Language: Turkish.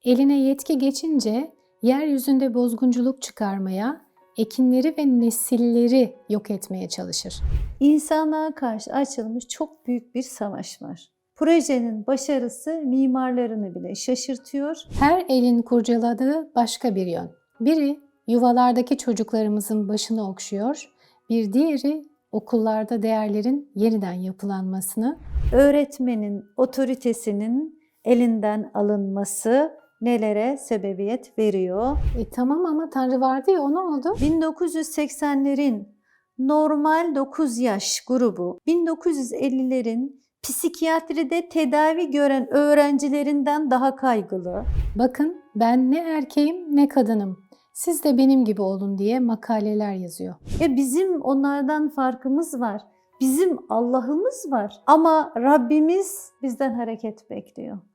Eline yetki geçince yeryüzünde bozgunculuk çıkarmaya, ekinleri ve nesilleri yok etmeye çalışır. İnsanlığa karşı açılmış çok büyük bir savaş var. Projenin başarısı mimarlarını bile şaşırtıyor. Her elin kurcaladığı başka bir yön. Biri yuvalardaki çocuklarımızın başını okşuyor, bir diğeri okullarda değerlerin yeniden yapılanmasını, Öğretmenin otoritesinin elinden alınması nelere sebebiyet veriyor? Tamam ama Tanrı vardı ya, o ne oldu? 1980'lerin normal 9 yaş grubu, 1950'lerin psikiyatride tedavi gören öğrencilerinden daha kaygılı. Bakın, ben ne erkeğim ne kadınım, siz de benim gibi olun diye makaleler yazıyor. Bizim onlardan farkımız var. Bizim Allah'ımız var. Ama Rabbimiz bizden hareket bekliyor.